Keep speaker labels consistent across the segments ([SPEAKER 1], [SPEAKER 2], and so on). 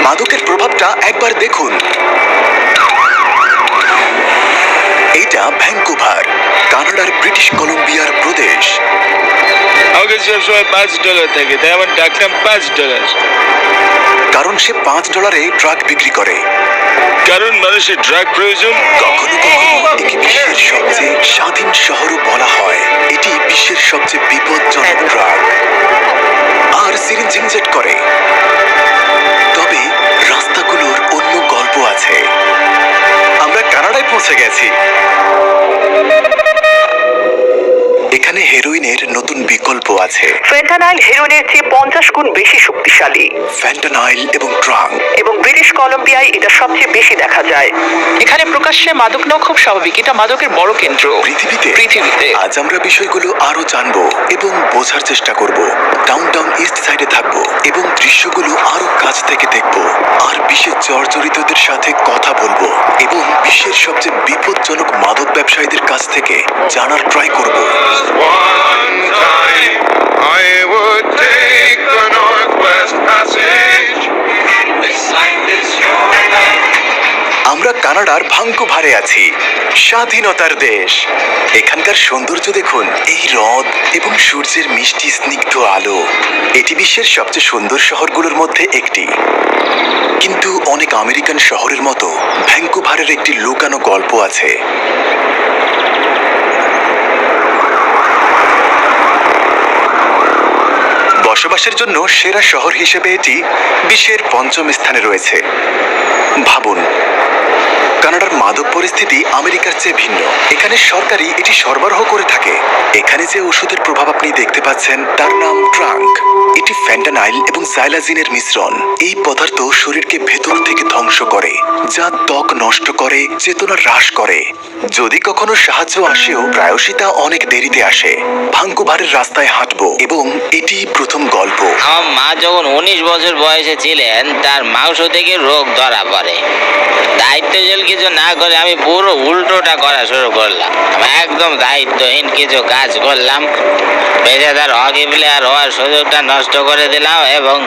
[SPEAKER 1] মাদকের প্রভাবটা একবার দেখুন। এটা ভ্যাঙ্কুভার, কানাডার ব্রিটিশ কলম্বিয়ার প্রদেশ।
[SPEAKER 2] আমাকে সবসময় $5 থাকে, তাই আমার ডাকনাম $5।
[SPEAKER 1] কারণ সে $5 ড্রাগ বিক্রি করে।
[SPEAKER 2] কারণ মানুষের ড্রাগ প্রয়োজন।
[SPEAKER 1] কখনো কখনো একে বিশ্বের সবচেয়ে স্বাধীন শহরও বলা হয়। এটি বিশ্বের সবচেয়ে বিপজ্জনক ড্রাগ আর সিরিঞ্জ ইনজেক্ট করে। তবে রাস্তাগুলোর অন্য গল্প আছে। আমরা কানাডায় পৌঁছে গেছি। এখানে হেরোইনের নতুন বিকল্প আছে।
[SPEAKER 3] ফেন্টানাইল হেরোইনের চেয়ে 50 গুণ বেশি শক্তিশালী।
[SPEAKER 1] ফ্যান্টানাইল এবং ট্রাঙ্ক।
[SPEAKER 3] এবং ব্রিটিশ কলম্বিয়ায় এটা সবচেয়ে বেশি দেখা যায়। এখানে প্রকাশ্যে মাদক নেওয়া খুব স্বাভাবিক। এটা মাদকের বড় কেন্দ্র পৃথিবীতে।
[SPEAKER 1] আজ আমরা বিষয়গুলো আরো জানবো এবং বোঝার চেষ্টা করব। ডাউনটাউন ইস্ট সাইডে থাকবো এবং দৃশ্যগুলো আরো কাছ থেকে দেখব। আর বিশ্বের জর্জরিতদের সাথে কথা বলবো এবং বিশ্বের সবচেয়ে বিপজ্জনক মাদক ব্যবসায়ীদের কাছ থেকে জানার ট্রাই করব।
[SPEAKER 4] One time I would take the Northwest Passage. This life is your life.
[SPEAKER 1] আমরা কানাডার ভ্যাঙ্কুভারে আছি, স্বাধীনতার দেশ। এখানকার সৌন্দর্য দেখুন, এই হ্রদ এবং সূর্যের মিষ্টি স্নিগ্ধ আলো। এটি বিশ্বের সবচেয়ে সুন্দর শহরগুলোর মধ্যে একটি। কিন্তু অনেক আমেরিকান শহরের মতো ভ্যাঙ্কুভারের একটি লুকানো গল্প আছে। বসবাসের জন্য সেরা শহর হিসেবে এটি বিশ্বের 5ম স্থানে রয়েছে। ভাবুন, কানাডার মাদক পরিস্থিতি আমেরিকার চেয়ে ভিন্ন। এখানে সরকারই এটি সরবরাহ করে থাকে। এখানে যে ওষুধের প্রভাব আপনি দেখতে পাচ্ছেন তার নাম ট্রাঙ্ক। এটি ফ্যান্টানাইল এবং জাইলাজিনের মিশ্রণ। এই পদার্থ শরীরকে ভেতর থেকে ধ্বংস করে, যা ত্বক নষ্ট করে, চেতনা হ্রাস করে। যদি কখনো সাহায্য আসেও প্রায়শই তা অনেক দেরিতে আসে। ভ্যাঙ্কুভারের রাস্তায় হাঁটবো এবং এটি প্রথম গল্প।
[SPEAKER 5] আমার মা যখন 19 বছর বয়সে ছিলেন, তার মাংস থেকে রোগ ধরা পড়ে। দায়িত্বশীল কিছু না করে আমি পুরো উল্টোটা করা শুরু করলাম। আমি একদম দায়িত্বহীন কিছু কাজ করলাম, পেশাদার হকি প্লেয়ার হওয়ার সুযোগটা নষ্ট করে দিলাম। এবং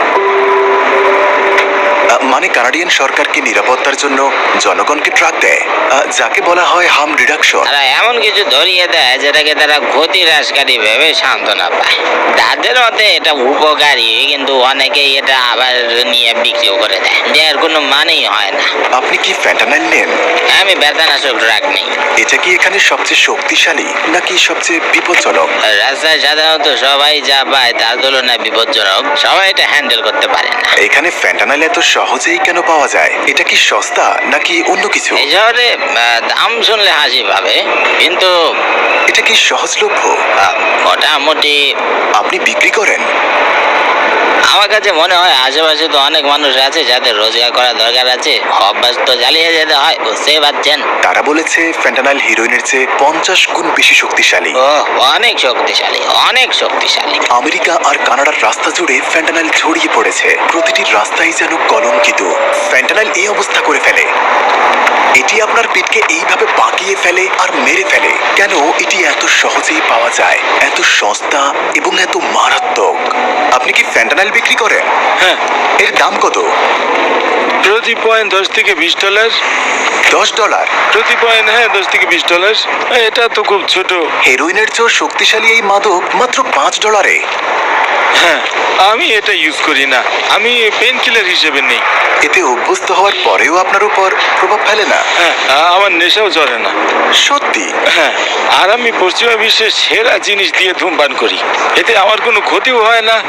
[SPEAKER 1] মানে কানাডিয়ান সরকারকে নিরাপত্তার জন্য জনগণকে ট্রাক দেয়, যাকে বলা হয় হার্ম রিডাকশন।
[SPEAKER 5] তারা এমন কিছু ধরিয়ে দেয় যেটাকে তারা ক্ষতি হ্রাসকারী ভেবে সান্ত্বনা পায়। তাদের মতে এটা উপকারী, কিন্তু অনেকেই এটা আবার নিয়ে বিক্রিও করে দেয়। এর কোনো মানেই হয় না।
[SPEAKER 1] আপনি কি ফ্যান্টানাইল নেন?
[SPEAKER 5] আমি ব্যথানাশক ড্রাগ নেই।
[SPEAKER 1] এটা কি এখানে সবচেয়ে শক্তিশালী নাকি সবচেয়ে বিপজ্জনক?
[SPEAKER 5] রাস্তায় সাধারণত সবাই যা পায় তার তুলনায় বিপজ্জনক। সবাই এটা হ্যান্ডেল করতে পারে না।
[SPEAKER 1] এখানে ফ্যান্টানাইল এত সহজেই কেন পাওয়া যায়? এটা কি সস্তা নাকি অন্য কিছু?
[SPEAKER 5] এই শহরে দাম শুনলে হাসি পাবে, কিন্তু
[SPEAKER 1] এটা কি সহজলভ্য?
[SPEAKER 5] মোটামুটি।
[SPEAKER 1] আপনি বিক্রি করেন?
[SPEAKER 5] আমার কাছে মনে হয় আশেপাশে তো অনেক মানুষ আছে যাদের রোজগার করা দরকার আছে। অভ্যাস তো চালিয়ে যেতে হয়, বুঝতেই পারছেন।
[SPEAKER 1] তারা বলেছে ফ্যান্টানাইল হিরোইনের চেয়ে 50 গুণ বেশি শক্তিশালী।
[SPEAKER 5] ও, অনেক শক্তিশালী, অনেক শক্তিশালী।
[SPEAKER 1] আমেরিকা আর কানাডার রাস্তা জুড়ে ফ্যান্টানাইল ছড়িয়ে পড়েছে। প্রতিটি রাস্তাই যেন কলঙ্কিত। ফ্যান্টানাইল এই অবস্থা করে ফেলে। এটি আপনার পিঠকে এইভাবে বাঁকিয়ে ফেলে আর মেরে ফেলে। কেন এটি এত সহজেই পাওয়া যায়, এত সস্তা এবং এত মারাত্মক? আপনি কি ফ্যান্টানাইল বিক্রি করেন?
[SPEAKER 2] হ্যাঁ।
[SPEAKER 1] এর দাম কত?
[SPEAKER 2] প্রতি পয়েন্ট $10 থেকে $20।
[SPEAKER 1] $10?
[SPEAKER 2] প্রতি পয়েন্ট, হ্যাঁ, $10 থেকে $20। এটা তো খুব ছোট।
[SPEAKER 1] হেরোইনের চেয়েও শক্তিশালী এই মাদক মাত্র $5।
[SPEAKER 2] হ্যাঁ, আমি এটা ইউজ করি না। আমি পেন কিলার হিসেবে নেই।
[SPEAKER 1] এতে অভ্যস্ত হওয়ার পরেও আপনার উপর প্রভাব ফেলে না?
[SPEAKER 2] হ্যাঁ, আমার নেশাও চড়ে না।
[SPEAKER 1] সত্যি?
[SPEAKER 2] হ্যাঁ, আর আমি পশ্চিমা বিশ্বের সেরা জিনিস দিয়ে ধূমপান করি। এতে আমার কোনো ক্ষতিও হয় না।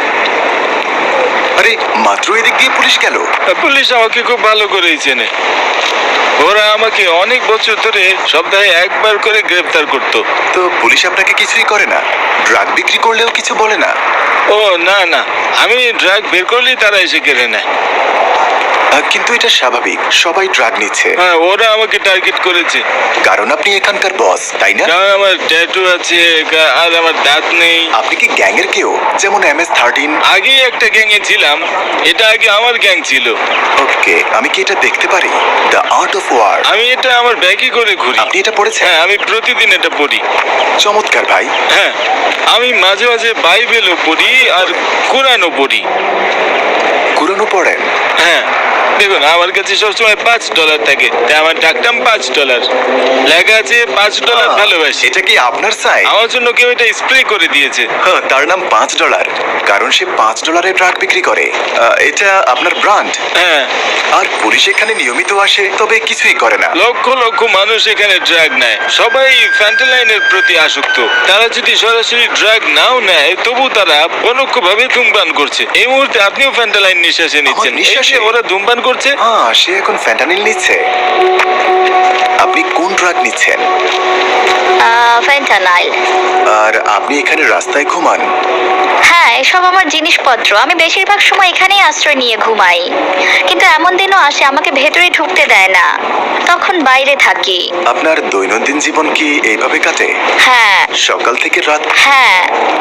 [SPEAKER 1] আরে, মাত্র এদিক দিয়ে পুলিশ গেল।
[SPEAKER 2] পুলিশ আমাকে খুব ভালো করেই চেনে। ওরা আমাকে অনেক বছর ধরে সপ্তাহে একবার করে গ্রেফতার করতো।
[SPEAKER 1] তো পুলিশ আপনাকে কিছুই করে না? ড্রাগ বিক্রি করলেও কিছু বলে না?
[SPEAKER 2] ও না না, আমি ড্রাগ বের করলেই তারা এসে কেড়ে নেয়।
[SPEAKER 1] কিন্তু এটা স্বাভাবিক, সবাই ড্রাগ নিচ্ছে।
[SPEAKER 2] হ্যাঁ, ওরা আমাকে টার্গেট করেছে।
[SPEAKER 1] কারণ আপনি এখানকার বস, তাই না?
[SPEAKER 2] কারণ আমার ট্যাটু আছে আর আমার দাঁত নেই।
[SPEAKER 1] আপনি কি গ্যাংয়ের কেউ, যেমন MS-13?
[SPEAKER 2] আগেই একটা গ্যাংয়ে ছিলাম। এটা আগে আমার গ্যাং ছিল।
[SPEAKER 1] ওকে, আমি কি এটা দেখতে পারি? The art of war.
[SPEAKER 2] আমি এটা আমার ব্যাগে করে ঘুরি।
[SPEAKER 1] আপনি এটা পড়েছেন?
[SPEAKER 2] হ্যাঁ, আমি প্রতিদিন এটা পড়ি।
[SPEAKER 1] চমৎকার ভাই।
[SPEAKER 2] হ্যাঁ, আমি মাঝে মাঝে বাইবেলও পড়ি আর কোরআনও পড়ি।
[SPEAKER 1] কুড়ানো পড়েন?
[SPEAKER 2] হ্যাঁ, দেখুন আমার কাছে সবসময় $5 থাকে, তাই আমার ডাকটাম $5। লেখা আছে $5 ভালোবাসি।
[SPEAKER 1] এটা কি আপনার সাইন?
[SPEAKER 2] আমার জন্য কেউ এটা স্প্রে করে দিয়েছে।
[SPEAKER 1] হ্যাঁ, তার নাম $5, কারণ সে $5 ড্রাগ বিক্রি করে। এটা আপনার ব্র্যান্ড।
[SPEAKER 2] হ্যাঁ,
[SPEAKER 1] আর পুলিশ এখানে নিয়মিত আসে, তবে কিছুই করে না।
[SPEAKER 2] লক্ষ লক্ষ মানুষ এখানে ড্রাগ নেয়, সবাই ফ্যান্টালাইনের প্রতি আসক্ত। তারা যদি সরাসরি ড্রাগ নাও নেয়, তবু তারা পরোক্ষভাবে ধূমপান করছে। এই মুহূর্তে আপনিও ফ্যান্টালাইন নিঃশ্বাসে নিচ্ছেন। এই
[SPEAKER 1] নিঃশ্বাসে?
[SPEAKER 2] যে ওরা ধূমপান করছে।
[SPEAKER 1] হ্যাঁ, সে এখন ফ্যান্টানিল নিচ্ছে। আপনি কোন ড্রাগ নিচ্ছেন?
[SPEAKER 6] ফেন্টানাইল।
[SPEAKER 1] আর আপনি এখানে রাস্তায় ঘুমান?
[SPEAKER 6] হ্যাঁ, এসব আমার জিনিসপত্র। আমি বেশিরভাগ সময় এখানেই আশ্রয় নিয়ে ঘুমাই, কিন্তু এমন দিনও আসে আমাকে ভেতরে ঢুকতে দেয় না, তখন বাইরে থাকি।
[SPEAKER 1] আপনার দৈনন্দিন জীবন কি এইভাবে কাটে?
[SPEAKER 6] হ্যাঁ
[SPEAKER 1] সকাল থেকে রাত?
[SPEAKER 6] হ্যাঁ।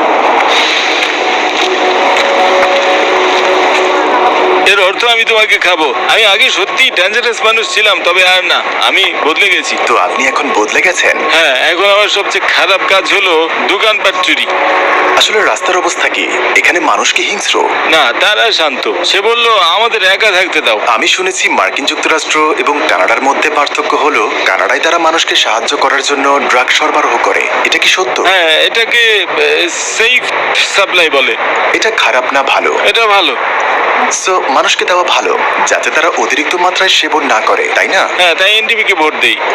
[SPEAKER 2] এর অর্থ আমি তোমাকে খাবো। আমি আগে সত্যি ডেঞ্জারাস মানুষ ছিলাম, তবে আর না, আমি বদলে গেছি।
[SPEAKER 1] তো আপনি এখন বদলে গেছেন?
[SPEAKER 2] হ্যাঁ, এখন আমার সবচেয়ে খারাপ কাজ হলো দোকানপাট চুরি।
[SPEAKER 1] আসলে রাস্তার অবস্থা কি? এখানে মানুষ কি হিংস্র?
[SPEAKER 2] না, তারা শান্ত। সে বলল আমাদের একা থাকতে দাও।
[SPEAKER 1] আমি শুনেছি মার্কিন যুক্তরাষ্ট্র এবং কানাডার মধ্যে পার্থক্য হলো কানাডায় তারা মানুষকে সাহায্য করার জন্য ড্রাগ সরবরাহ করে। এটা কি সত্য?
[SPEAKER 2] হ্যাঁ, এটাকে সেফ সাপ্লাই বলে।
[SPEAKER 1] এটা খারাপ না ভালো?
[SPEAKER 2] এটা ভালো।
[SPEAKER 1] সো মানুষকে দেওয়া ভালো, যাতে তারা অতিরিক্ত মাত্রায় সেবন না করে, তাই না?
[SPEAKER 2] হ্যাঁ, তাই এনডিপি কে ভোট দেই।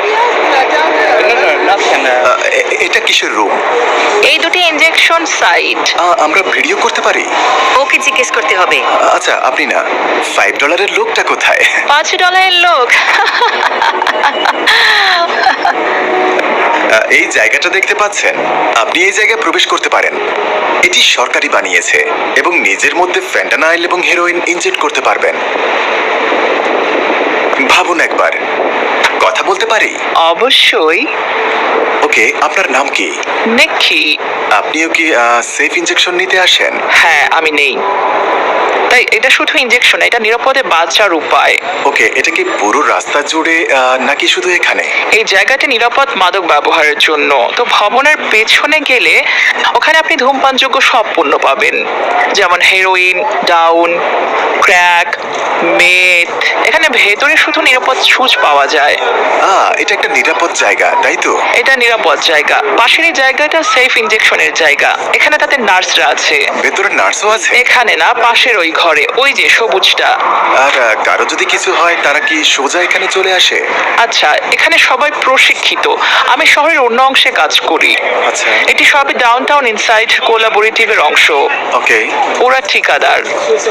[SPEAKER 1] এটা কিসের রুম?
[SPEAKER 3] এই দুটি ইনজেকশন সাইট।
[SPEAKER 1] আমরা ভিডিও করতে পারি?
[SPEAKER 3] ওকে জিজ্ঞেস করতে হবে।
[SPEAKER 1] আচ্ছা, আপনি না, $5 লোকটা কোথায়?
[SPEAKER 3] $5 লোক।
[SPEAKER 1] এই জায়গাটা দেখতে পাচ্ছেন? আপনি এই জায়গায় প্রবেশ করতে পারেন। এটি সরকারি বানিয়েছে এবং নিজের মধ্যে ফ্যান্টানাইল এবং হেরোইন ইনজেক্ট করতে পারবেন। ভাবুন একবার। কথা বলতে পারি?
[SPEAKER 3] অবশ্যই।
[SPEAKER 1] ওকে, আপনার নাম কি?
[SPEAKER 3] নেকি?
[SPEAKER 1] আপনিও কি সেফ ইনজেকশন নিতে আসেন?
[SPEAKER 3] হ্যাঁ, আমি নেই। তাই এটা শুধু ইনজেকশন, এটা নিরাপদে বাঁচার উপায়।
[SPEAKER 1] ওকে, এটা কি পুরো রাস্তা জুড়ে নাকি শুধু এখানে?
[SPEAKER 3] এই জায়গাটি নিরাপদ মাদক ব্যবহারের জন্য। তো ভবনের পেছনে গেলে ওখানে আপনি ধূমপানযোগ্য সব পণ্য পাবেন, যেমন হেরোইন, ডাউন, ক্র্যাক, মেথ। এখানে ভেতরে শুধু নিরাপদ সুচ পাওয়া যায়।
[SPEAKER 1] এটা একটা নিরাপদ জায়গা, তাই তো?
[SPEAKER 3] এটা নিরাপদ জায়গা। পাশের এই জায়গাটা সেফ ইনজেকশনের জায়গা। এখানে তাদের নার্সরা আছে।
[SPEAKER 1] ভেতরে নার্সও আছে?
[SPEAKER 3] এখানে না, পাশের ওই ঘরে, ওই যে সবুজটা।
[SPEAKER 1] আর কারো যদি কিছু হয়, তারা কি সোজা এখানে চলে আসে?
[SPEAKER 3] আচ্ছা, এখানে সবাই প্রশিক্ষিত। আমি শহরের অন্য অংশে কাজ করি।
[SPEAKER 1] আচ্ছা।
[SPEAKER 3] এটি সবই ডাউনটাউন ইনসাইড কোলাবোরেটিভের অংশ।
[SPEAKER 1] ওকে।
[SPEAKER 3] ওরা ঠিকাদার।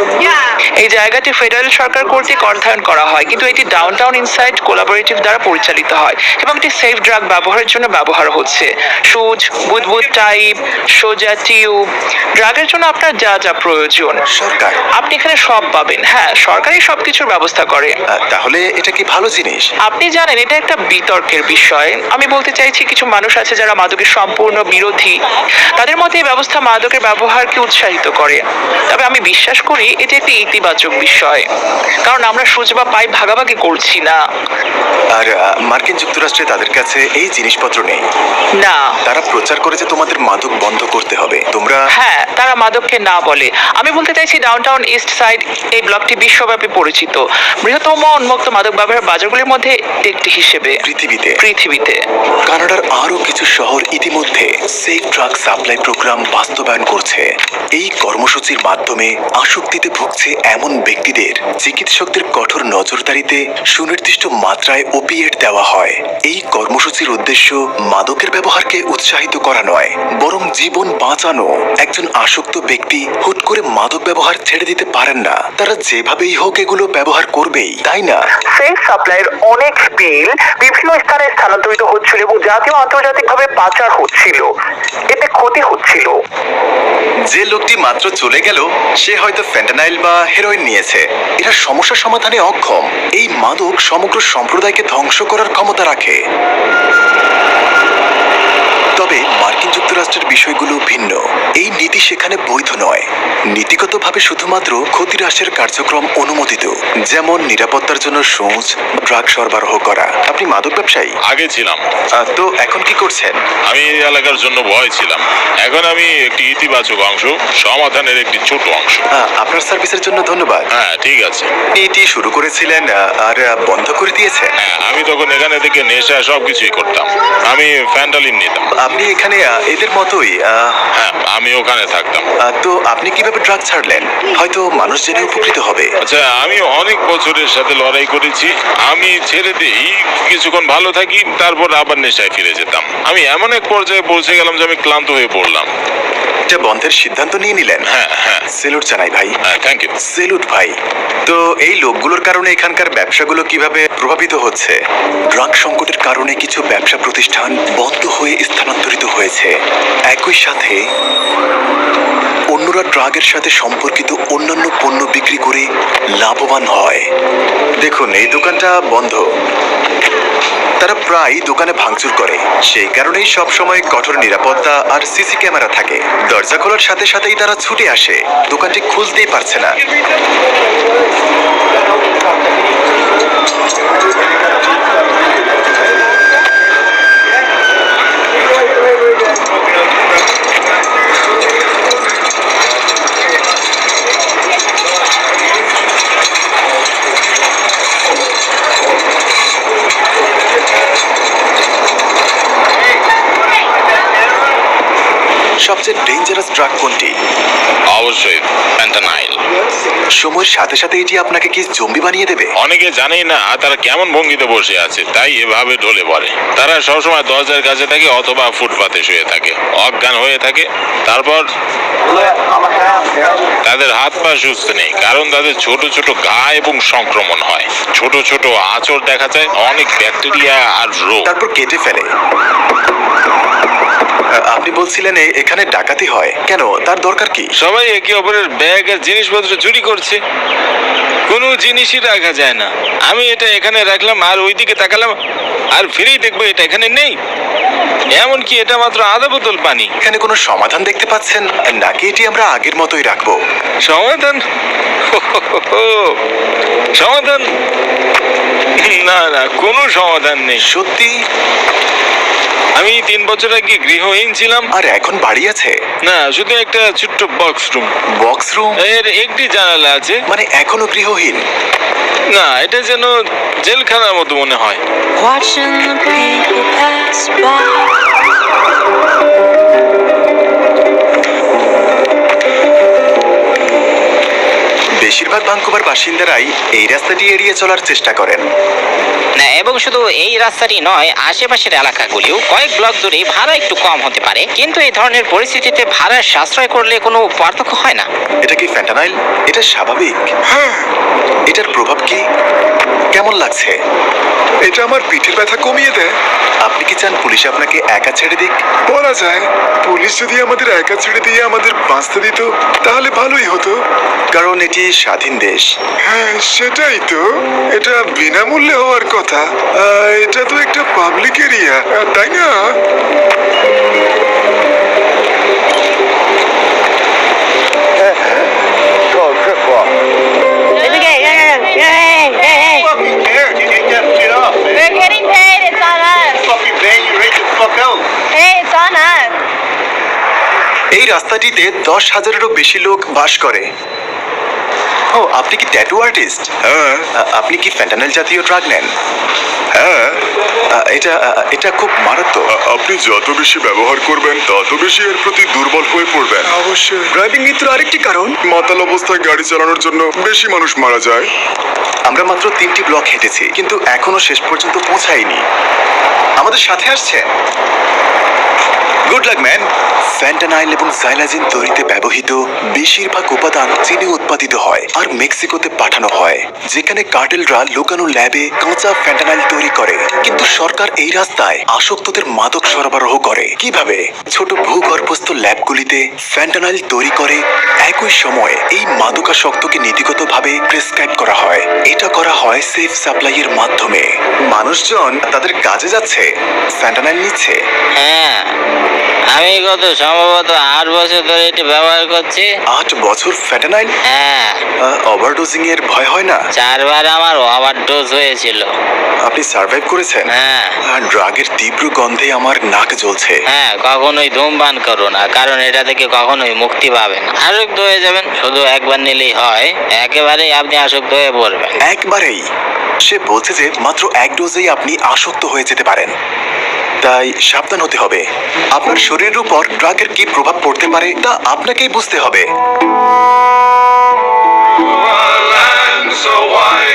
[SPEAKER 3] এই জায়গাটি ফেডারেল সরকার কর্তৃক অর্থায়ন করা হয়, কিন্তু এটি ডাউনটাউন ইনসাইড কোলাবোরেটিভ দ্বারা পরিচালিত হয় এবং এটি সেফ ড্রাগ ব্যবহারের জন্য ব্যবহার হচ্ছে। সুচ, বুদবুদ টাইপ, সোজা টিউব, ড্রাগের জন্য আপনার যা যা প্রয়োজন
[SPEAKER 1] সরকার?
[SPEAKER 3] আপনি এখানে সব পাবেন। হ্যাঁ, সরকারই সবকিছুর ব্যবস্থা করে।
[SPEAKER 1] তাহলে এটা কি ভালো জিনিস?
[SPEAKER 3] আপনি জানেন, এটা একটা বিতর্কের বিষয়। আমি বলতে চাইছি, কিছু মানুষ আছে যারা মাদকের সম্পূর্ণ বিরোধী। তাদের মতে এই ব্যবস্থা মাদকের ব্যবহারকে উৎসাহিত করে। তবে আমি বিশ্বাস করি এটি একটি ইতিবাচক বিষয়, কারণ আমরা সুচ বা পাইপ ভাগাভাগি করছি না।
[SPEAKER 1] আর মার্কিন যুক্তরাষ্ট্রে তাদের কাছে এই জিনিসপত্র নেই।
[SPEAKER 3] না।
[SPEAKER 1] তারা প্রচার করে যে তোমাদের মাদক বন্ধ করতে হবে। তোমরা?
[SPEAKER 3] হ্যাঁ, তারা মাদককে না বলে। আমি বলতে চাইছি ডাউনটাউন ইস্ট সাইড এই ব্লকটি বিশ্বব্যাপী পরিচিত বৃহত্তম উন্মুক্ত মাদক ব্যবহার বাজারগুলির মধ্যে একটি হিসেবে পৃথিবীতে।
[SPEAKER 1] কানাডার আরো কিছু শহর ইতিমধ্যে সেফ ড্রাগ সাপ্লাই প্রোগ্রাম বাস্তবায়ন করছে। এই কর্মসূচির মাধ্যমে আসক্তিতে ভুগছে এমন ব্যক্তিদের চিকিৎসকদের কঠোর নজরদারিতে সুনির্দিষ্ট মাত্রায় ওপিয়েট দেওয়া হয়। এই কর্মসূচির উদ্দেশ্য মাদকের ব্যবহারকে উৎসাহিত করা নয়, বরং জীবন বাঁচানো। একজন আসক্ত ব্যক্তি হুট করে মাদক ব্যবহার ছেড়ে দিতে পারেন না। তারা যেভাবেই হোক এগুলো ব্যবহার করবেই, তাই না?
[SPEAKER 3] সেফ সাপ্লাইয়ের অনেক বিল বিভিন্ন স্থানে স্থানান্তরিত হচ্ছিল এবং জাতীয় আন্তর্জাতিকভাবে পাচার হচ্ছিল। এতে ক্ষতি হচ্ছিল।
[SPEAKER 1] যে লোকটি মাত্র চলে গেল, সে হয়তো ফ্যান্টানাইল বা হেরোইন নিয়েছে। এরা সমস্যা সমাধানে অক্ষম। এই মাদক সমগ্র সম্প্রদায়কে ধ্বংস করার ক্ষমতা রাখে। তবে মার্কিন যুক্তরাষ্ট্রের বিষয়গুলো ভিন্ন। এই নীতি সেখানে বৈধ নয়। নীতিগতভাবে শুধুমাত্র ক্ষতিহ্রাসের কার্যক্রম অনুমোদিত, যেমন নিরাপত্তার জন্য সূঁচ, ড্রাগ সরবরাহ করা। আপনি মাদক ব্যবসায়ী?
[SPEAKER 2] আগে ছিলাম।
[SPEAKER 1] তো এখন কি করছেন?
[SPEAKER 2] আমি এই এলাকার জন্য ভয় ছিলাম। এখন আমি একটি ইতিবাচক অংশ, সমাধানের একটি ছোট অংশ।
[SPEAKER 1] আপনার সার্ভিসের জন্য ধন্যবাদ।
[SPEAKER 2] হ্যাঁ, ঠিক আছে।
[SPEAKER 1] আপনি এটি শুরু করেছিলেন আর বন্ধ করে দিয়েছেন।
[SPEAKER 2] হ্যাঁ, আমি তখন এখানে থেকে নেশা সবকিছুই করতাম। আমি ফ্যান্টালিন নিতাম।
[SPEAKER 1] আপনি এখানে এদের মতোই
[SPEAKER 2] হ্যাঁ, আমি ওখানে থাকতাম।
[SPEAKER 1] তো আপনি কিভাবে ড্রাগ ছাড়লেন? হয়তো মানুষ জেনে উপকৃত হবে।
[SPEAKER 2] আচ্ছা, আমি অনেক বছরের সাথে লড়াই করেছি। আমি ছেড়ে দিই, কিছুক্ষণ ভালো থাকি, তারপর আবার নেশায় ফিরে যেতাম। আমি এমন এক পর্যায়ে পৌঁছে গেলাম যে আমি ক্লান্ত হয়ে পড়লাম।
[SPEAKER 1] এটা বন্ধের সিদ্ধান্ত নিয়ে নিলেন?
[SPEAKER 2] হ্যাঁ, হ্যাঁ।
[SPEAKER 1] সেলুট জানাই ভাই।
[SPEAKER 2] হ্যাঁ, থ্যাংক ইউ।
[SPEAKER 1] সেলুট ভাই। তো এই লোকগুলোর কারণে এখানকার ব্যবসাগুলো কিভাবে প্রভাবিত হচ্ছে? ড্রাগ সংকটের কারণে কিছু ব্যবসা প্রতিষ্ঠান বন্ধ হয়ে স্থানান্তরিত হয়েছে। একই সাথে অন্যরা ড্রাগের সাথে সম্পর্কিত অন্যান্য পণ্য বিক্রি করে লাভবান হয়। দেখুন, এই দোকানটা বন্ধ। তারা প্রায় দোকানে ভাঙচুর করে। সেই কারণেই সব সময় কঠোর নিরাপত্তা আর সিসি ক্যামেরা থাকে। দরজা খোলার সাথে সাথেই তারা ছুটে আসে। দোকানটি খুলতেই পারছে না। সবচেয়ে ডেঞ্জারাস ড্রাগ কোনটি?
[SPEAKER 2] অবশ্যই ফ্যান্টানাইল।
[SPEAKER 1] সময়ের সাথে সাথে এটি আপনাকে কি জম্বি বানিয়ে দেবে?
[SPEAKER 2] অনেকে জানেই না তারা কেমন ভঙ্গিতে বসে আছে, তাই এভাবে ঢলে পড়ে। তারা সবসময় দরজার কাছে থাকে অথবা ফুটপাতে শুয়ে থাকে, অজ্ঞান হয়ে থাকে। তারপর তাদের হাত পা সুস্থ নেই, কারণ তাদের ছোট ছোট ঘা এবং সংক্রমণ হয়। ছোট ছোট আঁচড় দেখা যায়, অনেক ব্যাকটেরিয়া আর রোগ।
[SPEAKER 1] তারপর কেটে ফেলে। আপনি বলছিলেন এখানে ডাকাতি হয় কেন? তার দরকার কি?
[SPEAKER 2] সবাই একে অপরের ব্যাগ আর জিনিসপত্র চুরি করছে। কোনো জিনিসই রাখা যায় না। আমি এটা এখানে রাখলাম আর ওইদিকে তাকালাম আর ফিরেই দেখবো এটা এখানে নেই। এমনকি এটা মাত্র আধা বোতল পানি।
[SPEAKER 1] এখানে কোনো সমাধান দেখতে পাচ্ছেন নাকি এটি আমরা আগের মতোই রাখবো?
[SPEAKER 2] সমাধান? সমাধান? না না, কোনো সমাধান নেই।
[SPEAKER 1] সত্যি?
[SPEAKER 2] আমি 3 বছর আগে গৃহহীন ছিলাম।
[SPEAKER 1] আর এখন বাড়ি আছে?
[SPEAKER 2] না, শুধু একটা ছোট্ট বক্স রুম।
[SPEAKER 1] Box room?
[SPEAKER 2] এর একটি জানালা আছে।
[SPEAKER 1] মানে এখনো গৃহহীন?
[SPEAKER 2] না, এটা যেন জেলখানার মতো মনে হয়।
[SPEAKER 7] Watching the people pass by.
[SPEAKER 1] বেশিরভাগ ভাঙ্কুভার বাসিন্দারাই এই রাস্তাটি এড়িয়ে চলার চেষ্টা করেন।
[SPEAKER 5] না, এবং শুধু এই রাস্তাটি নয়, আশেপাশের এলাকাগুলিও কয়েক ব্লক দূরে ভাড়া একটু কম হতে পারে, কিন্তু এই ধরনের পরিস্থিতিতে ভাড়া সাশ্রয় করলে কোনো পার্থক্য হয় না।
[SPEAKER 1] এটা কি ফ্যান্টানাইল? এটা স্বাভাবিক? এটার প্রভাব কি? কেমন লাগছে?
[SPEAKER 4] এটা আমার পিঠের ব্যথা কমিয়ে দেয়।
[SPEAKER 1] আপনি কি চান পুলিশ আপনাকে একা ছেড়ে দিক?
[SPEAKER 4] বলা যায়, পুলিশ যদি আমাদের একা ছেড়ে দিয়ে আমাদের বাঁচতে দিত তাহলে ভালোই হতো।
[SPEAKER 1] কারণ এটি স্বাধীন দেশ।
[SPEAKER 4] হ্যাঁ, সেটাই তো। এটা বিনামূল্যে হওয়ার কথা। এটা তো একটা পাবলিক এরিয়া, তাই না?
[SPEAKER 8] Fucking cares? You take that shit off, man.
[SPEAKER 6] We're getting paid. It's on us.
[SPEAKER 8] Fucking bang you right the fuck out.
[SPEAKER 6] Hey, it's on us.
[SPEAKER 1] এই রাস্তাটিতে 10,000-এরও বেশি লোক বাস করে। ও, আপনি কি ট্যাটু আর্টিস্ট?
[SPEAKER 4] হ্যাঁ,
[SPEAKER 1] আপনি কি ফ্যান্টানাইল জাতীয় ড্রাগ নেন?
[SPEAKER 4] হ্যাঁ।
[SPEAKER 1] এটা খুব মারাত্মক।
[SPEAKER 4] আপনি যত বেশি ব্যবহার করবেন তত বেশি এর প্রতি দুর্বল হয়ে পড়বেন। অবশ্যই। ড্রাইভিং মৃত্যুর আরেকটি কারণ, মাতাল অবস্থায় গাড়ি চালানোর জন্য বেশি মানুষ মারা যায়।
[SPEAKER 1] আমরা মাত্র 3টি ব্লক হেঁটেছি, কিন্তু এখনো শেষ পর্যন্ত পৌঁছাইনি। আমাদের সাথে আসছে? Good luck man. ফ্যান্টানাইল এবং জাইলাজিন তৈরিতে ব্যবহৃত বেশিরভাগ উপাদান চীনে উৎপাদিত হয় আর মেক্সিকোতে পাঠানো হয়, যেখানে কার্টেলরা লুকানো ল্যাবে কাঁচা ফ্যান্টানাইল তৈরি করে। কিন্তু সরকার এই রাস্তায় আসক্তদের মাদক সরবরাহ করে। কিভাবে? ছোট ভূগর্ভস্থ ল্যাবগুলিতে ফ্যান্টানাইল তৈরি করে একই সময়ে এই মাদকাসক্তকে নীতিগতভাবে প্রেসক্রাইব করা হয়। এটা করা হয় সেফ সাপ্লাইয়ের মাধ্যমে। মানুষজন তাদের কাজে যাচ্ছে, ফ্যান্টানাইল নিচ্ছে।
[SPEAKER 5] হ্যাঁ, আমি গত সম্ভবত 8 বছর ধরে এটি ব্যবহার করছি।
[SPEAKER 1] 8 বছর ফ্যান্টানাইল?
[SPEAKER 5] হ্যাঁ,
[SPEAKER 1] ওভারডোজিং এর ভয় হয় না?
[SPEAKER 5] 4 বার আমার ওভারডোজ হয়েছিল।
[SPEAKER 1] আপনি সার্ভাইভ করেছেন?
[SPEAKER 5] হ্যাঁ
[SPEAKER 1] ড্রাগের তীব্র গন্ধে আমার নাক জ্বলছে।
[SPEAKER 5] হ্যাঁ, কখনোই ধূমপান করো না, কারণ এটা থেকে কখনোই মুক্তি পাবেন না। আসক্ত হয়ে যাবেন, শুধু একবার নিলেই হয়, একেবারেই আপনি আসক্ত হয়ে পড়বেন।
[SPEAKER 1] একবারেই? সে বলছে যে মাত্র 1 ডোজেই আপনি আসক্ত হয়ে যেতে পারেন। তাই সাবধান হতে হবে। আপনার শরীরের উপর ড্রাগের কি প্রভাব পড়তে পারে তা আপনাকেই বুঝতে হবে।
[SPEAKER 2] So why